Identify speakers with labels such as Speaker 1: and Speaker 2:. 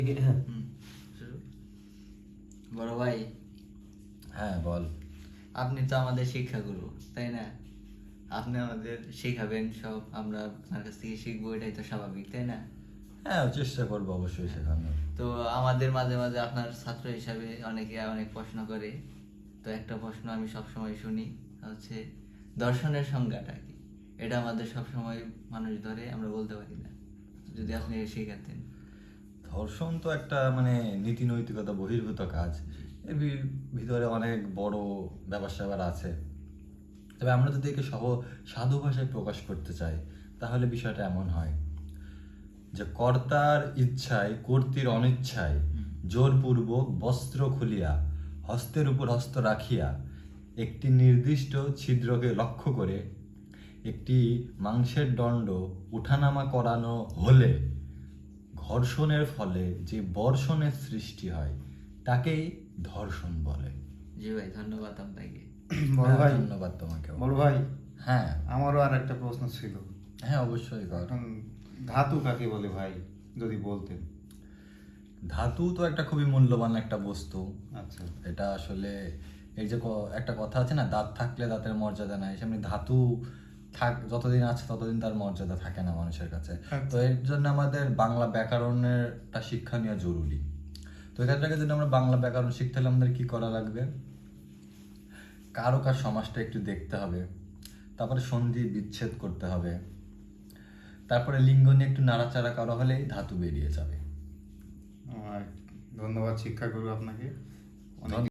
Speaker 1: বড় ভাই,
Speaker 2: হ্যাঁ বল।
Speaker 1: আপনি তো আমাদের শিক্ষাগুরু, তাই না? আপনি আমাদের শেখাবেন সব, আমরা আপনার কাছ থেকে শিখবো, এটাই তো স্বাভাবিক, তাই না?
Speaker 2: হ্যাঁ, চেষ্টা করবো অবশ্যই শেখানোর।
Speaker 1: তো আমাদের মাঝে মাঝে আপনার ছাত্র হিসাবে অনেকে অনেক প্রশ্ন করে। তো একটা প্রশ্ন আমি সবসময় শুনি, হচ্ছে দর্শনের সংজ্ঞাটা কি? এটা আমাদের সবসময় মানুষ ধরে, আমরা বলতে পারি না। যদি আপনি শেখাতেন।
Speaker 2: ধর্ষণ তো একটা মানে নীতি নৈতিকতা বহির্ভূত কাজ। এর ভিতরে অনেক বড় ব্যাপার স্যাপার আছে। তবে আমরা যদি একে সাধু ভাষায় প্রকাশ করতে চাই, তাহলে বিষয়টা এমন হয় যে কর্তার ইচ্ছায় কর্ত্রীর অনিচ্ছায় জোরপূর্বক বস্ত্র খুলিয়া হস্তের উপর হস্ত রাখিয়া একটি নির্দিষ্ট ছিদ্রকে লক্ষ্য করে একটি মাংসের দণ্ড উঠানামা করানো হলে ঘর্ষণের ফলে যে বর্ষণের সৃষ্টি হয় তাকেই ধর্ষণ বলে।
Speaker 1: জি ভাই, ধন্যবাদ আপনাকে।
Speaker 3: বড় ভাই,
Speaker 2: ধন্যবাদ তোমাকেও।
Speaker 3: বড় ভাই,
Speaker 2: হ্যাঁ
Speaker 3: আমারও আর একটা প্রশ্ন ছিল।
Speaker 2: হ্যাঁ, অবশ্যই কর।
Speaker 3: এখন ধাতু কাকে বলে ভাই, যদি বলতেন।
Speaker 2: ধাতু তো একটা খুবই মূল্যবান একটা বস্তু।
Speaker 3: আচ্ছা।
Speaker 2: এটা আসলে এই যে একটা কথা আছে না, দাঁত থাকলে দাঁতের মর্যাদা নাই, সেমনি ধাতু যতদিন আছে ততদিন তার মর্যাদা থাকে না মানুষের কাছে। তো এর জন্য আমাদের বাংলা ব্যাকরণেরটা শিক্ষা নেওয়া জরুরি। তো এক্ষেত্রে যদি আমরা বাংলা ব্যাকরণ শিখতে হলে আমাদের কি করা লাগবে? কারকার সমাসটা একটু দেখতে হবে, তারপরে সন্ধি বিচ্ছেদ করতে হবে, তারপরে লিঙ্গ নিয়ে একটু নাড়াচাড়া করা হলেই ধাতু বেরিয়ে যাবে।
Speaker 3: ধন্যবাদ শিক্ষাগুরু আপনাকে। অনেক